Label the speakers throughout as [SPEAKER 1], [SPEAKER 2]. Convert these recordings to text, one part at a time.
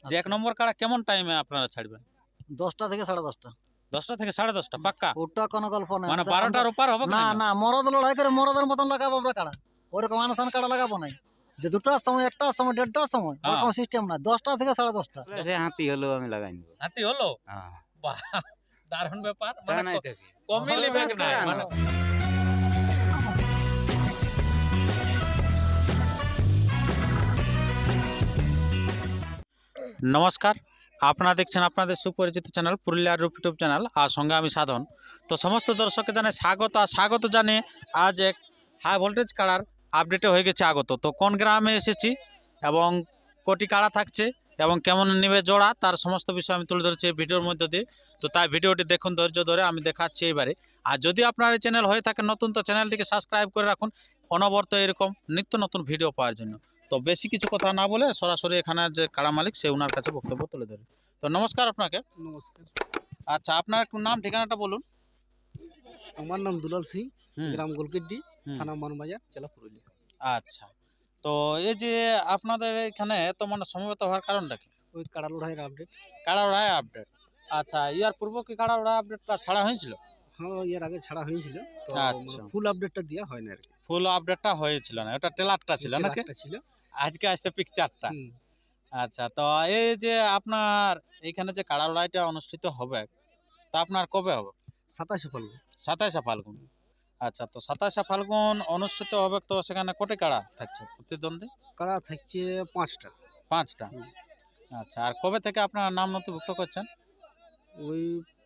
[SPEAKER 1] যে 1 নম্বর কাড়া কেমন টাইমে আপনারা ছাড়বেন?
[SPEAKER 2] 10টা থেকে 10:30টা।
[SPEAKER 1] 10টা থেকে 10:30 পাক্কা?
[SPEAKER 2] ওটা কোনো গল্প নাই।
[SPEAKER 1] মানে 12টার ওপার হবে
[SPEAKER 2] না
[SPEAKER 1] না?
[SPEAKER 2] না, মরদ লড়াই করে মরদের মতন লাগাবো আমরা কাড়া। ওরকম আনসান কাড়া লাগাবো নাই। যে 2টার সময়, 1টার সময়, 1:30টার সময় ওরকম সিস্টেম না। 10টা থেকে 10:30টা।
[SPEAKER 3] সে হাতি হলেও আমি লাগাই নেব।
[SPEAKER 1] হাতি হলো?
[SPEAKER 3] হ্যাঁ।
[SPEAKER 1] বাহ! দারুণ ব্যাপার।
[SPEAKER 3] তা
[SPEAKER 1] মানে
[SPEAKER 3] নাই থাকি।
[SPEAKER 1] কমই লিবেন নাই মানে। নমস্কার, আপনারা দেখছেন আপনাদের সুপরিচিত চ্যানেল পুরুলিয়ার রূপ ইউটিউব চ্যানেল, আর সঙ্গে আমি সাধন। তো সমস্ত দর্শককে জানাই স্বাগত। আর স্বাগত জানিয়ে আজ এক হাই ভোল্টেজ কাড়ার আপডেটে হয়ে গেছে আগত। তো কোন গ্রামে এসেছি এবং কোটি কাড়া থাকছে এবং কেমন নেবে জোড়া, তার সমস্ত বিষয় আমি তুলে ধরেছি এই ভিডিওর মধ্যে দিয়ে। তো তাই ভিডিওটি দেখুন ধৈর্য ধরে, আমি দেখাচ্ছি এইবারে। আর যদি আপনার এই চ্যানেল হয়ে থাকে নতুন, তো চ্যানেলটিকে সাবস্ক্রাইব করে রাখুন অনবরত এরকম নিত্য নতুন ভিডিও পাওয়ার জন্য। তো বেশি কিছু কথা না বলে সরাসরি এখানে যে কাড়া মালিক সে ওনার কাছে বক্তব্য তুলে ধরে। তো নমস্কার আপনাকে।
[SPEAKER 2] নমস্কার।
[SPEAKER 1] আচ্ছা, আপনার একটু নাম ঠিকানাটা বলুন।
[SPEAKER 2] আমার নাম দুলাল সিং,
[SPEAKER 1] হুম,
[SPEAKER 2] গ্রাম গোলকিড্ডি,
[SPEAKER 1] হুম।
[SPEAKER 2] থানা মানবাজার, জেলা পুরুলিয়া।
[SPEAKER 1] আচ্ছা, তো এই যে আপনাদের এখানে তো মানে সমবেত হওয়ার কারণটা কি?
[SPEAKER 2] ওই কাড়া লড়াইয়ের আপডেট।
[SPEAKER 1] কাড়া লড়াই আপডেট। আচ্ছা, ইয়ার পূর্ব কি কাড়া লড়াই আপডেটটা ছাড়া হয়েছিল?
[SPEAKER 2] হ্যাঁ, এর আগে ছাড়া হয়েছিল, তো
[SPEAKER 1] আচ্ছা,
[SPEAKER 2] ফুল আপডেটটা দেওয়া হয় না আর কি।
[SPEAKER 1] ফুল আপডেটটা হয়েছিল না, ওটা টেলারটা ছিল নাকি?
[SPEAKER 2] একটা ছিল।
[SPEAKER 1] আজকে আসছে পিকচারটা।
[SPEAKER 2] হুম।
[SPEAKER 1] আচ্ছা, তো এই যে আপনার এখানে যে কাড়া লড়াইটা অনুষ্ঠিত হবে, তা আপনার কবে হবে?
[SPEAKER 2] 27 ফাল্গুন।
[SPEAKER 1] 27শে ফাল্গুন। আচ্ছা, তো 27শে ফাল্গুন অনুষ্ঠিত হবে, তো সেখানে কোটি কাড়া থাকছে প্রতিদ্বন্দ্বী?
[SPEAKER 2] কাড়া থাকছে 5টা।
[SPEAKER 1] 5টা।
[SPEAKER 2] হুম।
[SPEAKER 1] আচ্ছা, আর কবে থেকে আপনার নাম নথিভুক্ত করছেন?
[SPEAKER 2] ওই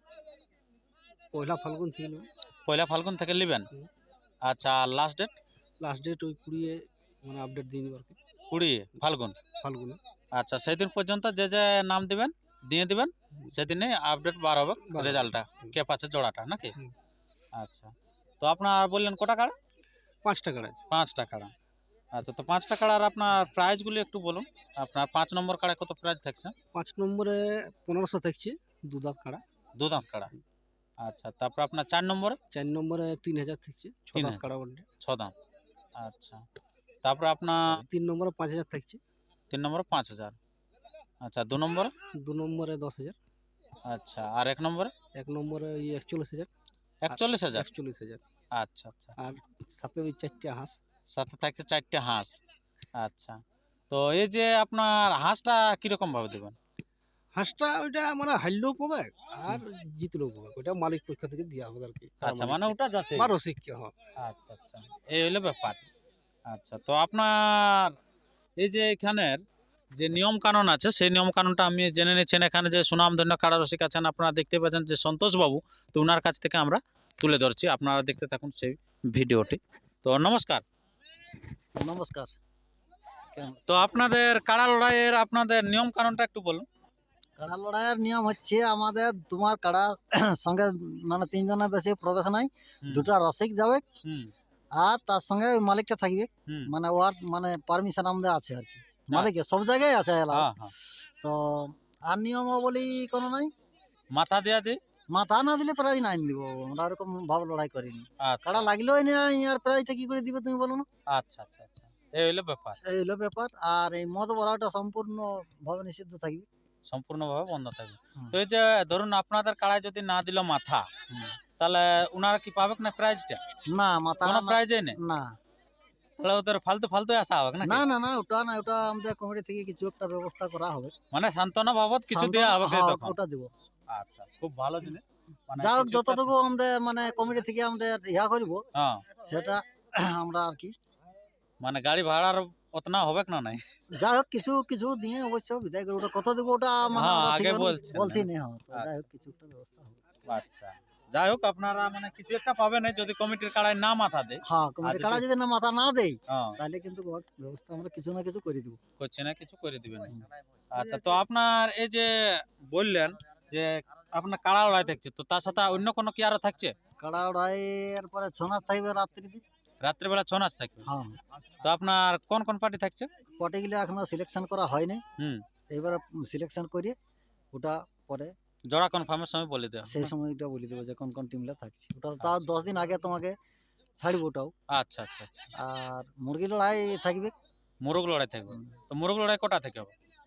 [SPEAKER 2] পয়লা ফাল্গুন ছিল।
[SPEAKER 1] পয়লা ফাল্গুন থেকে নেবেন?
[SPEAKER 2] হুম।
[SPEAKER 1] আচ্ছা, লাস্ট ডেট?
[SPEAKER 2] লাস্ট ডেট ওই 20 মানে আপডেট দিয়ে দেবো আর কি,
[SPEAKER 1] 20 ফাল্গুন।
[SPEAKER 2] ফাল্গুনে।
[SPEAKER 1] আচ্ছা, সেদিন পর্যন্ত যে যে নাম দিবেন দিয়ে দিবেন, সেদিনে আপডেট বার হবে রেজাল্টটা, কে পাচ্ছে জোড়াটা নাকি?
[SPEAKER 2] হুম।
[SPEAKER 1] আচ্ছা, তো আপনার বললেন কটা কাড়া?
[SPEAKER 2] 5টা কাড়া আছে।
[SPEAKER 1] 5টা কাড়া। আচ্ছা, তো 5টা কাড়ার আপনার প্রাইজগুলি একটু বলুন। আপনার 5 নম্বর কাড়ায় কত প্রাইজ থাকছে?
[SPEAKER 2] 5 নম্বরে 1500 থাকছে, 2 দাঁত কাড়া।
[SPEAKER 1] 2 দাঁত কাড়া। আচ্ছা, তারপর আপনার 4 নম্বরে?
[SPEAKER 2] 4 নম্বরে 3000 থাকছে, 6 দাঁত
[SPEAKER 1] 3000।
[SPEAKER 2] কাড়া বলতে।
[SPEAKER 1] 6 দাঁত। আচ্ছা, তারপর আপনার
[SPEAKER 2] 3 নম্বরে 5000 থাকছে।
[SPEAKER 1] 3 নম্বরে 5000। আচ্ছা, 2 নম্বরে?
[SPEAKER 2] 2 নম্বরে 10,000।
[SPEAKER 1] আচ্ছা, আর 1 নম্বরে?
[SPEAKER 2] 1 নম্বরে ওই 41,000।
[SPEAKER 1] 41,000।
[SPEAKER 2] 41,000।
[SPEAKER 1] আচ্ছা, আচ্ছা।
[SPEAKER 2] আর সাথে ওই 4টা হাঁস।
[SPEAKER 1] সাথে থাকছে 4টে হাঁস। আচ্ছা, তো এই যে আপনার হাঁসটা কিরকম ভাবে দেবেন?
[SPEAKER 2] হাঁসটা ওইটা মানে হারলেও পাবে আর জিতলেও পাবে, ওইটা মালিক পক্ষ থেকে দেওয়া হবে আর কি।
[SPEAKER 1] আচ্ছা, মানে ওটা যাচ্ছে।
[SPEAKER 2] বা রসিককে। হ্যাঁ।
[SPEAKER 1] আচ্ছা, আচ্ছা, এই হলো ব্যাপার। আচ্ছা, তো আপনার এই যে এখানের যে নিয়ম কানুন আছে, সেই নিয়ম কানুনটা আমি জেনে নিচ্ছেন। এখানে যে সুনামধন্য কাড়া রসিক আছেন, আপনারা দেখতে পাচ্ছেন যে সন্তোষ বাবু, তো ওনার কাছ থেকে আমরা তুলে ধরছি, আপনারা দেখতে থাকুন সেই ভিডিওটি। তো নমস্কার।
[SPEAKER 2] নমস্কার।
[SPEAKER 1] তো আপনাদের কাড়া লড়াইয়ের আপনাদের নিয়ম কানুনটা একটু বলুন।
[SPEAKER 2] কাড়া লড়াইয়ের নিয়ম হচ্ছে আমাদের তোমার কাড়া সঙ্গে মানে 3 জনের বেশি প্রবেশ নাই,
[SPEAKER 1] হুম,
[SPEAKER 2] 2টা রসিক যাবে
[SPEAKER 1] হুম,
[SPEAKER 2] আর তার সঙ্গে ওই মালিকটা থাকবে।
[SPEAKER 1] হুম।
[SPEAKER 2] মানে ওয়ার্ড মানে পারমিশন আমাদের আছে আর কি, মালিকের সব জায়গায় আছে এলাও।
[SPEAKER 1] হ্যাঁ, হ্যাঁ।
[SPEAKER 2] তো আর নিয়মাবলী কোনো নাই।
[SPEAKER 1] মাথা দেয়া দি।
[SPEAKER 2] মাথা না দিলে প্রাইজ নাই দিব, আমরা ওরকম ভাব লড়াই করিনি।
[SPEAKER 1] আচ্ছা,
[SPEAKER 2] কাড়া লাগলেও না, ইয়ার প্রাইজটা কি করে দিবে তুমি বলো না?
[SPEAKER 1] আচ্ছা, আচ্ছা, আচ্ছা, এই হলো ব্যাপার।
[SPEAKER 2] এই হলো ব্যাপার। আর এই মদ ভরাটা সম্পূর্ণ ভাবে নিষিদ্ধ থাকবে।
[SPEAKER 1] সম্পূর্ণভাবে বন্ধ থাকবে।
[SPEAKER 2] হুম।
[SPEAKER 1] তো এই যে ধরুন আপনাদের কাড়ায় যদি না দিল মাথা,
[SPEAKER 2] হুম।
[SPEAKER 1] তাহলে উনারা কি পাবে না প্রাইজটা?
[SPEAKER 2] না মাথা
[SPEAKER 1] কোনো
[SPEAKER 2] না,
[SPEAKER 1] প্রাইজই নেই?
[SPEAKER 2] না
[SPEAKER 1] তাহলে ওদের ফালতু ফালতু আসা হবে নাকি?
[SPEAKER 2] না না না, ওটা না, ওটা আমাদের কমিটি থেকে কিছু একটা ব্যবস্থা করা হবে।
[SPEAKER 1] মানে সান্ত্বনা বাবদ কিছু দেওয়া হবে কি
[SPEAKER 2] হ্যাঁ,
[SPEAKER 1] তখন?
[SPEAKER 2] ওটা দিব।
[SPEAKER 1] আচ্ছা, খুব ভালো জিনিস। মানে
[SPEAKER 2] যাই হোক,
[SPEAKER 1] কিছু একটা-
[SPEAKER 2] যতটুকু আমাদের মানে কমিটি থেকে আমাদের ইয়া করব
[SPEAKER 1] হ্যাঁ,
[SPEAKER 2] সেটা আমরা আর কি,
[SPEAKER 1] মানে গাড়ি ভাড়ার অতনা হবে না নাই?
[SPEAKER 2] যাই হোক কিছু কিছু দিয়ে অবশ্য বিদায় করবো। ওটা কত দেবো ওটা মানে
[SPEAKER 1] হ্যাঁ,
[SPEAKER 2] আমরা
[SPEAKER 1] আগে
[SPEAKER 2] ঠিক
[SPEAKER 1] বলছেন
[SPEAKER 2] বলছি
[SPEAKER 1] না।
[SPEAKER 2] না। হ্যাঁ, তো যাই হোক কিছু একটা ব্যবস্থা হবে।
[SPEAKER 1] আচ্ছা, যাই হোক আপনারা মানে কিছু একটা পাবেন যদি কমিটির কাড়ায় না মাথা দেয়।
[SPEAKER 2] হ্যাঁ,
[SPEAKER 1] আর
[SPEAKER 2] কমিটি
[SPEAKER 1] যদি-
[SPEAKER 2] কাড়া যদি না মাথা না দেই,
[SPEAKER 1] হ্যাঁ,
[SPEAKER 2] তাহলে কিন্তু ব্যবস্থা আমরা কিছু না কিছু করে দিব।
[SPEAKER 1] করছে না কিছু করে দিবেন। আচ্ছা, তো আপনার এই যে বললেন যে আপনার কাড়া লড়াই থাকছে, তো তার সাথে অন্য কোনো কি আরো থাকছে?
[SPEAKER 2] কাড়া ওড়াইয়ের পরে ছৌ নাচ থাকবে রাত্রিতে।
[SPEAKER 1] রাত্রিবেলা ছৌ নাচ থাকবে।
[SPEAKER 2] হ্যাঁ,
[SPEAKER 1] তো আপনার কোন কোন পার্টি থাকছে?
[SPEAKER 2] পটিগুলো এখনো সিলেকশন করা হয়নি।
[SPEAKER 1] হুম,
[SPEAKER 2] এবারে সিলেকশন করে ওটা পরে
[SPEAKER 1] জোড়া কনফার্মের সময় বলে দেওয়া।
[SPEAKER 2] সেই সময়টা বলে দেবো যে কোন কোন টিমটা থাকছে। ওটা তার 10 দিন আগে তোমাকে ছাড়বো ওটাও।
[SPEAKER 1] আচ্ছা, আচ্ছা, আচ্ছা।
[SPEAKER 2] আর মুরগি লড়াই থাকবে।
[SPEAKER 1] মোরগ লড়াই থাকবে। তো মোরগ লড়াই কটা থেকে হবে?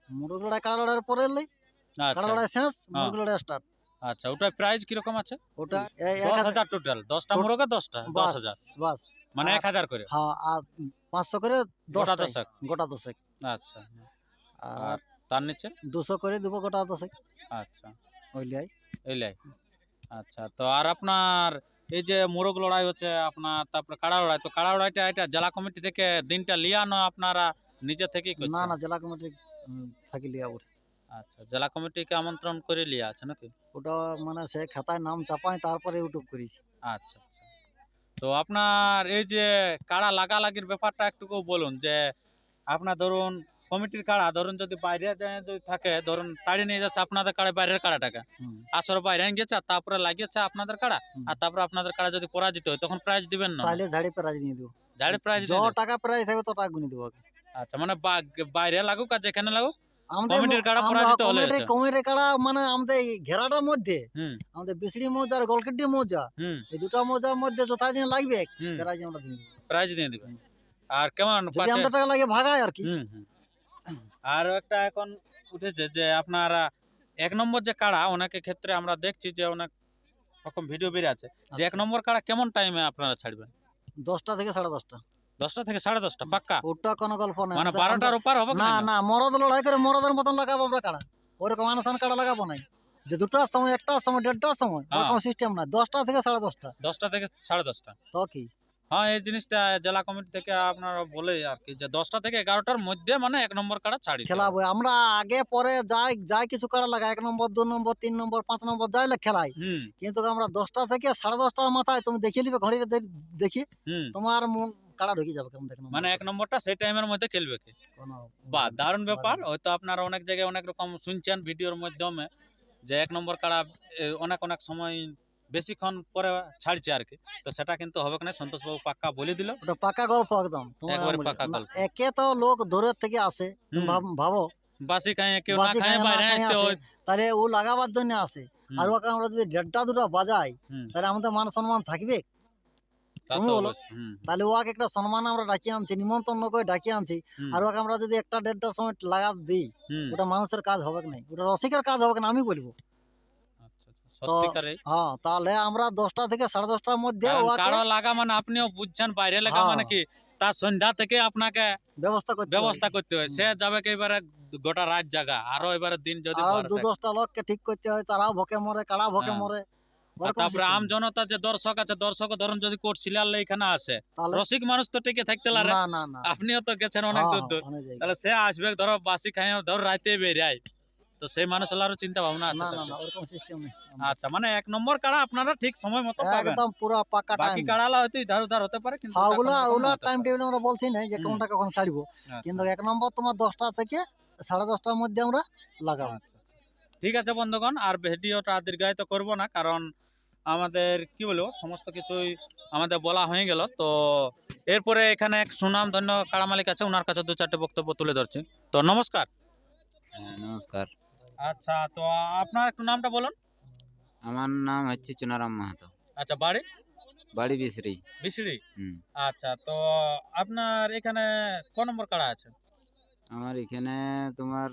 [SPEAKER 2] মুরগ লড়াই কাড়া লড়াইয়ের পরে এলেই কাড়া
[SPEAKER 1] আচ্ছা
[SPEAKER 2] লড়াই শেষ,
[SPEAKER 1] হ্যাঁ।
[SPEAKER 2] মুরগ লড়াই স্টার্ট।
[SPEAKER 1] আচ্ছা ওটার প্রাইস কিরকম আছে?
[SPEAKER 2] ওটা এই
[SPEAKER 1] 10,000 টোটাল, 10টা মুরগে 10টা,
[SPEAKER 2] বাস
[SPEAKER 1] 10,000
[SPEAKER 2] বাস।
[SPEAKER 1] মানে
[SPEAKER 2] আর
[SPEAKER 1] 1,000 করে
[SPEAKER 2] হ্যাঁ, আর 500 করে
[SPEAKER 1] গোটা
[SPEAKER 2] 10টাই,
[SPEAKER 1] 10।
[SPEAKER 2] গোটা 10।
[SPEAKER 1] আচ্ছা
[SPEAKER 2] আর
[SPEAKER 1] আর তার নিচে
[SPEAKER 2] 200 করে দিব গোটা 10।
[SPEAKER 1] আচ্ছা
[SPEAKER 2] ওইলাই
[SPEAKER 1] এইলাই। আচ্ছা তো আর আপনার এই যে মোরগ লড়াই হচ্ছে আপনার, তারপরে কাড়া লড়াই, তো কাড়া লড়াইটা এটা জেলা কমিটি থেকে দিনটা লিয়ানো আপনারা নিজে থেকেই
[SPEAKER 2] না
[SPEAKER 1] করছেন?
[SPEAKER 2] না, জেলা কমিটি থাকি লিয়া উঠে।
[SPEAKER 1] আচ্ছা জেলা কমিটিকে আমন্ত্রণ করে লিয়া আছে নাকি?
[SPEAKER 2] ওটা মানে সে খাতায় নাম চাপাই তারপরে ইউটিউব করেছি।
[SPEAKER 1] আচ্ছা আচ্ছা। তো আপনার এই যে কাড়া লাগালাগির ব্যাপারটা একটু বলুন, যে আপনার ধরুন কমিটির কাড়া ধরুন যদি বাইরে যায় যদি থাকে, ধরুন তাড়িয়ে নিয়ে যাচ্ছে আপনাদের কাড়া, বাইরের কাড়াটাকে
[SPEAKER 2] হুম,
[SPEAKER 1] আসর বাইরে গেছে আর তারপরে লাগিয়েছে আপনাদের কাড়া,
[SPEAKER 2] হুম।
[SPEAKER 1] আর তারপরে আপনাদের কাড়া যদি পরাজিত হয় তখন প্রাইজ দিবেন না?
[SPEAKER 2] তাহলে ঝাড়ি প্রাইজ নিয়ে দেবো।
[SPEAKER 1] ঝাড়ে প্রাইজ
[SPEAKER 2] য টাকা প্রাইজ থাকবে তো টাকা গুনি দেবো আগে।
[SPEAKER 1] আচ্ছা মানে বাইরে লাগুক আর যেখানে লাগুক
[SPEAKER 2] আমাদের
[SPEAKER 1] কমিটির কাড়া পরাজিত হলে হচ্ছে।
[SPEAKER 2] কমিটির কাড়া মানে আমাদের এই ঘেরাটার মধ্যে
[SPEAKER 1] হুম
[SPEAKER 2] আমাদের বিসড়ি মৌজা আর গলকেড্ডি মৌজা,
[SPEAKER 1] হুম
[SPEAKER 2] এই দুটা মৌজার মধ্যে যথা দিন লাগবে
[SPEAKER 1] হুম
[SPEAKER 2] প্রাইজ আমরা দিয়ে দেবো।
[SPEAKER 1] প্রাইজ দিয়ে দিবেন। আর কেমন
[SPEAKER 2] যদি
[SPEAKER 1] পাচ্ছে?
[SPEAKER 2] আমাদের টাকা লাগে ভাগায় আর কি।
[SPEAKER 1] হুম হুম। আর একটা এখন উঠেছে যে আপনারা 1 নম্বর যে কাড়া, অনেকের ক্ষেত্রে আমরা দেখছি যে অনেক রকম ভিডিও বেরিয়ে আছে যে 1 নম্বর কাড়া কেমন টাইমে আপনারা ছাড়বেন?
[SPEAKER 2] 10টা থেকে 10:30টা।
[SPEAKER 1] 10টা থেকে 10:30টা পাক্কা?
[SPEAKER 2] ওটা কোনো গল্প না।
[SPEAKER 1] মানে 12টার উপর হবে
[SPEAKER 2] না
[SPEAKER 1] না?
[SPEAKER 2] না, মরদ লড়াই করে মরদের মতন লাগাবো আমরা কাড়া। ওরকম আনাসান কাড়া লাগাবো নাই যে 2টার সময়, 1টার সময়, 1:30টার সময়
[SPEAKER 1] হ্যাঁ।
[SPEAKER 2] ওরকম সিস্টেম না। 10টা থেকে 10:30টা।
[SPEAKER 1] 10টা থেকে 10:30টা।
[SPEAKER 2] তো কি
[SPEAKER 1] হ্যাঁ এই জিনিসটা জেলা কমিটি থেকে আপনারা বলে আর কি, যে 10টা থেকে 11টার মধ্যে মানে 1 নম্বর কাড়া ছাড়ি
[SPEAKER 2] খেলাবো আমরা আগে পরে যাই যাই কিছু কাড়া লাগাই, 1 নম্বর, 2 নম্বর, 3 নম্বর, 5 নম্বর যাইলে খেলাই।
[SPEAKER 1] হুম
[SPEAKER 2] কিন্তু আমরা 10টা থেকে 10:30টার মাথায় তুমি দেখিয়ে নিবে ঘড়িতে দেখি
[SPEAKER 1] হুম
[SPEAKER 2] তোমার কাড়া ঢুকে যাবে কেমন দেখো।
[SPEAKER 1] মানে 1 নম্বরটা সেই টাইমের মধ্যে খেলবে কি? বাহ দারুণ ব্যাপার। হয়তো আপনারা অনেক জায়গায় অনেক রকম শুনছেন ভিডিওর মাধ্যমে যে 1 নম্বর কাড়া অনেক অনেক সময় বেশিক্ষণ পরে ছাড়ছে আর কি, তো সেটা কিন্তু হবে না। সন্তোষবাবু পাক্কা বলে দিল,
[SPEAKER 2] ওটা পাকা গল্প একদম। তোমার
[SPEAKER 1] একবারে
[SPEAKER 2] বলি,
[SPEAKER 1] পাকা
[SPEAKER 2] না,
[SPEAKER 1] গল্প।
[SPEAKER 2] একে তো লোক দূরের থেকে আসে, তুমি
[SPEAKER 1] হুম।
[SPEAKER 2] ভাবো
[SPEAKER 1] বাসি খায় কেউ না
[SPEAKER 2] বাসি
[SPEAKER 1] খায়
[SPEAKER 2] খায় না
[SPEAKER 1] বাইরে
[SPEAKER 2] খায়
[SPEAKER 1] আসতে
[SPEAKER 2] আসে,
[SPEAKER 1] হয়।
[SPEAKER 2] তাহলে ও লাগাবার জন্য আসে।
[SPEAKER 1] হুম,
[SPEAKER 2] আর ওকে আমরা যদি 1:30 2টা বাজাই
[SPEAKER 1] হুম,
[SPEAKER 2] তাহলে আমাদের মান সম্মান থাকবে?
[SPEAKER 1] তা
[SPEAKER 2] তুমি
[SPEAKER 1] তো
[SPEAKER 2] বলো।
[SPEAKER 1] অবশ্যই। হুম,
[SPEAKER 2] তাহলে ওকে একটা সম্মান আমরা ডাকিয়ে আনছি, নিমন্ত্রণ করে ডাকিয়ে আনছি।
[SPEAKER 1] হুম,
[SPEAKER 2] আর ওকে আমরা যদি 1টা 1:30টার সময় লাগা দিই,
[SPEAKER 1] হুম।
[SPEAKER 2] ওটা মানুষের কাজ হবে না, ওটা রসিকের কাজ হবে না আমি বলবো।
[SPEAKER 1] আচ্ছা, আচ্ছা,
[SPEAKER 2] তো
[SPEAKER 1] সত্যিকারে।
[SPEAKER 2] হ্যাঁ, তাহলে আমরা 10টা থেকে 10:30টার মধ্যে
[SPEAKER 1] কারণ
[SPEAKER 2] ওকে
[SPEAKER 1] কারো লাগা মানে আপনিও বুঝছেন, বাইরে লাগা
[SPEAKER 2] হ্যাঁ,
[SPEAKER 1] মানে কি তার সন্ধ্যা থেকে আপনাকে
[SPEAKER 2] ব্যবস্থা করতে হবে।
[SPEAKER 1] ব্যবস্থা করতে হয়।
[SPEAKER 2] হুম।
[SPEAKER 1] সে যাবে কি এবারে গোটা রাত জাগা, আরো এবারে দিন যদি
[SPEAKER 2] আরো
[SPEAKER 1] ভর থাকে।
[SPEAKER 2] 2-10টা লোককে ঠিক করতে হয়, তারাও ভকে মরে, কাড়া ভকে
[SPEAKER 1] হ্যাঁ।
[SPEAKER 2] মরে।
[SPEAKER 1] আর
[SPEAKER 2] ওরকম
[SPEAKER 1] তারপরে
[SPEAKER 2] system।
[SPEAKER 1] আম জনতা যে দর্শক আছে, দর্শক ধরুন যদি কোর্ট সিলার এখানে আসে,
[SPEAKER 2] তাহলে
[SPEAKER 1] রসিক মানুষ তো টিকে থাকতে পারে।
[SPEAKER 2] না না না,
[SPEAKER 1] আপনিও তো গেছেন অনেক
[SPEAKER 2] হ্যাঁ,
[SPEAKER 1] দূর দূর,
[SPEAKER 2] অনেক জায়গায়।
[SPEAKER 1] তাহলে সে আসবে ধরো বাসি খাই ধরো রাতে বেরিয়ে, তো সেই মানুষেরও চিন্তা ভাবনা আছে
[SPEAKER 2] না
[SPEAKER 1] তো
[SPEAKER 2] না
[SPEAKER 1] কি?
[SPEAKER 2] না, ওরকম সিস্টেম নেই।
[SPEAKER 1] আচ্ছা মানে 1 নম্বর কাড়া আপনারা ঠিক সময় মতো পাবেন।
[SPEAKER 2] একদম পুরো পাকা
[SPEAKER 1] বাকি
[SPEAKER 2] টাইম।
[SPEAKER 1] কাড়ালা হয়তো ইধার উধার হতে পারে, কিন্তু
[SPEAKER 2] হ্যাঁ,
[SPEAKER 1] ওটা
[SPEAKER 2] ওগুলা
[SPEAKER 1] কোনো রকম
[SPEAKER 2] ওগুলা
[SPEAKER 1] হতে
[SPEAKER 2] টাইম
[SPEAKER 1] পারে।
[SPEAKER 2] টেবিল আমরা বলছি না যে
[SPEAKER 1] হুম।
[SPEAKER 2] কোনটা কখন ছাড়বো।
[SPEAKER 1] আচ্ছা,
[SPEAKER 2] কিন্তু 1 নম্বর তোমার 10টা থেকে 10:30টার মধ্যে আমরা লাগাবো।
[SPEAKER 1] আচ্ছা। ঠিক আছে বন্ধুগণ, আর ভিডিওটা দীর্ঘায়িত করব না, কারণ আমাদের কি বলবো সমস্ত কিছুই আমাদের বলা হয়ে গেল। তো এরপরে এখানে এক সুনাম ধন্য কাড়া মালিক আছে, ওনার কাছে 2-4টে বক্তব্য তুলে ধরছি। তো নমস্কার।
[SPEAKER 3] হ্যাঁ, নমস্কার।
[SPEAKER 1] আচ্ছা তো আপনার একটু নামটা বলুন।
[SPEAKER 3] আমার নাম হচ্ছে চুনারাম মাহাতো,
[SPEAKER 1] আচ্ছা বাড়ি?
[SPEAKER 3] বাড়ি বিসরি।
[SPEAKER 1] বিসড়ি।
[SPEAKER 3] হুম।
[SPEAKER 1] আচ্ছা তো আপনার এখানে ক নম্বর কাড়া আছে?
[SPEAKER 3] আমার এখানে তোমার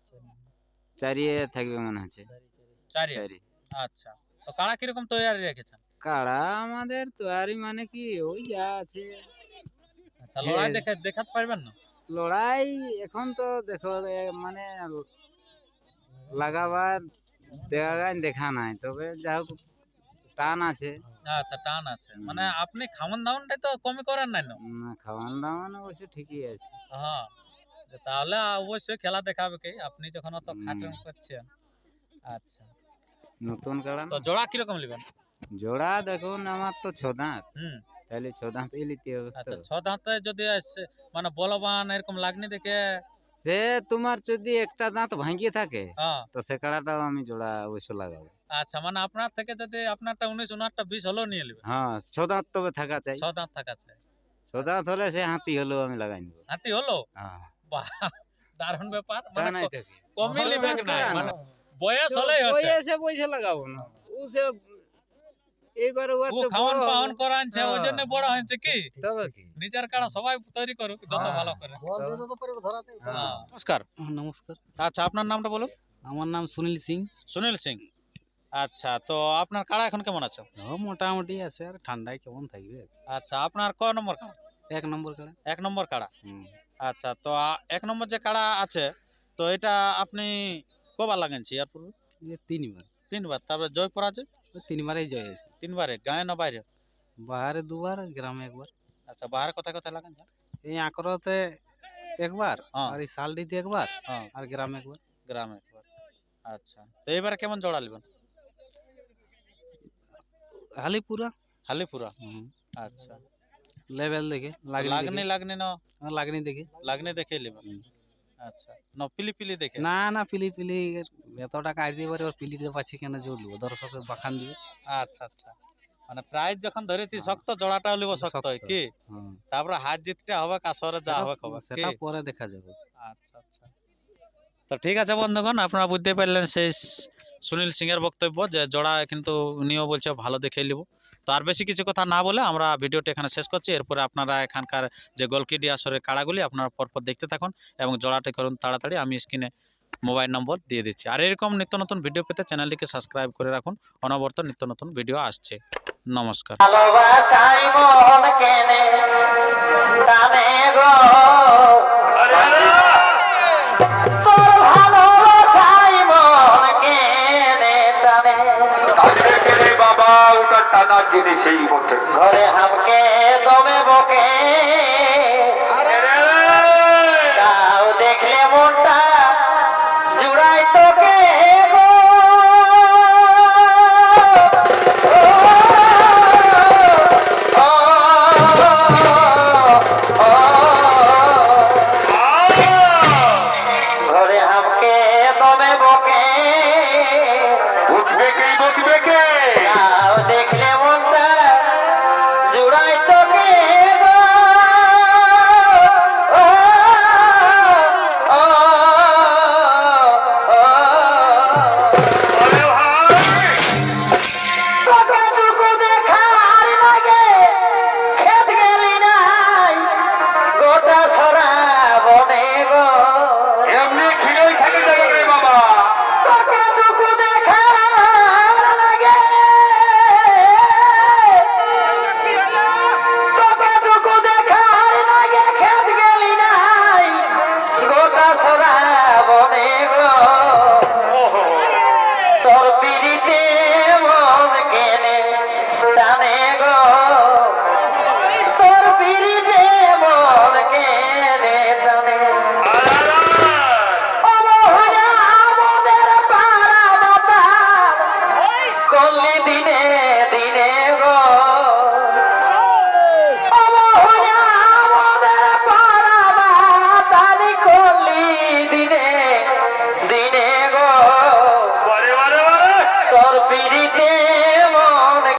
[SPEAKER 3] চারিয়ে থাকবে মনে হচ্ছে।
[SPEAKER 1] 4।
[SPEAKER 3] চারি
[SPEAKER 1] আচ্ছা তো কাড়া কিরকম তৈরি রেখেছেন?
[SPEAKER 3] কাড়া আমাদের তৈরি মানে কি ওই যা আছে।
[SPEAKER 1] আচ্ছা লড়াই
[SPEAKER 3] হ্যাঁ।
[SPEAKER 1] দেখাতে পারবেন না?
[SPEAKER 3] লড়াই এখন তো দেখো মানে লাগাবার দেখা নাই, তবে যা হোক টান আছে।
[SPEAKER 1] আচ্ছা টান আছে, মানে আপনি খাওয়ান দাওয়ানটাই তো কমই করেন নাই না?
[SPEAKER 3] খাওয়ান দাওয়ান অবশ্য ঠিকই আছে।
[SPEAKER 1] হ্যাঁ তাহলে অবশ্যই খেলা দেখাবে কি, আপনি যখন অত
[SPEAKER 3] হুম।
[SPEAKER 1] খাটন করছেন। আচ্ছা
[SPEAKER 3] নতুন কাড়া
[SPEAKER 1] তো
[SPEAKER 3] না।
[SPEAKER 1] জোড়া কিরকম নেবেন?
[SPEAKER 3] জোড়া দেখুন আমার তো 6 দাঁত,
[SPEAKER 1] হুম।
[SPEAKER 3] তাহলে 6 দাঁতই নিতে হবে তো।
[SPEAKER 1] আচ্ছা 6 দাঁতে যদি মানে বলবান এরকম লাগনি দেখে।
[SPEAKER 3] সে তোমার যদি একটা দাঁত ভাঙিয়ে থাকে
[SPEAKER 1] হ্যাঁ
[SPEAKER 3] তো সে কাড়াটাও আমি জোড়া অবশ্য লাগাবো।
[SPEAKER 1] আচ্ছা মানে আপনার থেকে যদি আপনারটা 19 ওনারটা 20 হলেও নিয়ে নেবেন।
[SPEAKER 3] হ্যাঁ, 6 দাঁত তবে থাকা চাই।
[SPEAKER 1] 6 দাঁত থাকা চাই।
[SPEAKER 3] 6 দাঁত হলে সে হাতি হলেও আমি লাগাই নেবো।
[SPEAKER 1] হাতি হলো?
[SPEAKER 3] হ্যাঁ,
[SPEAKER 1] বাহ দারুণ ব্যাপার।
[SPEAKER 3] তা
[SPEAKER 1] মানে
[SPEAKER 3] নাই থাকে।
[SPEAKER 1] কমই নেবে
[SPEAKER 3] বয়স
[SPEAKER 1] না,
[SPEAKER 3] কাড়া
[SPEAKER 1] মানে
[SPEAKER 3] না।
[SPEAKER 1] বয়স হলেই হচ্ছে।
[SPEAKER 3] বয়সে পয়সা লাগাবো না, ও সে এইবারে ও
[SPEAKER 1] ও
[SPEAKER 3] তো
[SPEAKER 1] খাওয়ান
[SPEAKER 3] বড়
[SPEAKER 1] পাওয়ান
[SPEAKER 3] হবে।
[SPEAKER 1] করানছে ওই জন্য বড় হয়েছে কি
[SPEAKER 3] তবে কি
[SPEAKER 1] নিজের কাড়া সবাই তৈরি করুক যত
[SPEAKER 3] হ্যাঁ।
[SPEAKER 1] ভালো করে।
[SPEAKER 2] বল দিয়ে যত পারে ধরাতে
[SPEAKER 1] হ্যাঁ। নমস্কার।
[SPEAKER 4] নমস্কার,
[SPEAKER 1] আচ্ছা আপনার নামটা বলুন।
[SPEAKER 4] আমার নাম সুনীল সিং।
[SPEAKER 1] সুনীল সিং। আচ্ছা তো আপনার কাড়া এখন কেমন আছে?
[SPEAKER 4] ও মোটামুটি আছে, আর ঠান্ডায় কেমন থাকবে।
[SPEAKER 1] আচ্ছা আপনার কয় নম্বর কাড়া?
[SPEAKER 4] 1 নম্বর কাড়া।
[SPEAKER 1] 1 নম্বর কাড়া।
[SPEAKER 4] হুম।
[SPEAKER 1] আচ্ছা তো 1 নম্বর যে কাড়া আছে তো এটা আপনি কবার লাগাইছি এর পূর্বে?
[SPEAKER 4] এই 3 বার,
[SPEAKER 1] 3 বার। তারপরে জয় পরাজয়?
[SPEAKER 4] ওই 3 বারেই জয় আছে।
[SPEAKER 1] 3 বারে গায়ে না বাইরে?
[SPEAKER 4] বাহারে 2 বার, গ্রামে 1 বার।
[SPEAKER 1] আচ্ছা বাহারে কোথায় কোথায় লাগাইছেন?
[SPEAKER 4] এই আঁকড়তে 1 বার,
[SPEAKER 1] হ্যাঁ।
[SPEAKER 4] আর এই শালডিতে 1 বার,
[SPEAKER 1] হ্যাঁ
[SPEAKER 4] আর গ্রামে 1 বার।
[SPEAKER 1] গ্রামে একবার। আচ্ছা তো এবারে কেমন জোড়া নেবেন?
[SPEAKER 4] হালিপুরা।
[SPEAKER 1] হালিপুরা।
[SPEAKER 4] হুম।
[SPEAKER 1] আচ্ছা
[SPEAKER 4] লেভেল দেখে
[SPEAKER 1] লাগনি লাগনি না
[SPEAKER 4] লাগনি দেখে।
[SPEAKER 1] লাগনি দেখে নেবেন।
[SPEAKER 4] হুম।
[SPEAKER 1] আচ্ছা না পিলি পিলি দেখে?
[SPEAKER 4] না না, পিলি পিলি এত টাকা আর দিয়ে পারে, পিলি দিতে পারছি কেন, জোর লিব দর্শকের বাখান দিবে।
[SPEAKER 1] আচ্ছা আচ্ছা মানে প্রাইজ যখন ধরেছি শক্ত জোড়াটাও লিব শক্ত হয় কি
[SPEAKER 4] হুম।
[SPEAKER 1] তারপরে হাত জিতটা হবে কাসরে যা হবে হবে কি?
[SPEAKER 4] সেটা পরে দেখা যাবে।
[SPEAKER 1] আচ্ছা আচ্ছা তো ঠিক আছে বন্ধুগণ আপনারা বুঝতে পারলেন সেই সুনীল সিং এর বক্তব্য যে জোড়া কিন্তু উনিও বলছে ভালো দেখে নিব। তো আর বেশি কিছু কথা না বলে আমরা ভিডিওটা এখানে শেষ করছি। এরপরে আপনারা এখানকার যে গোলকিডি আসরের কাড়াগুলি আপনারা পরপর দেখতে থাকুন এবং জোড়াটি করুন তাড়াতাড়ি। আমি স্ক্রিনে মোবাইল নম্বর দিয়ে দিচ্ছি। আর এরকম নিত্য নতুন ভিডিও পেতে চ্যানেলটিকে সাবস্ক্রাইব করে রাখুন। অনবরত নিত্য নতুন ভিডিও আসছে। নমস্কার।
[SPEAKER 5] ভালোবাসাই মন কেনে টানে গো তোর ভালোবাসাই মন কেনে টানে
[SPEAKER 6] বাবা ওটা টানা জিনিসই বটে
[SPEAKER 5] ঘরে হামকে দমে বকে তাও দেখলে মনটা জুড়াই তোকে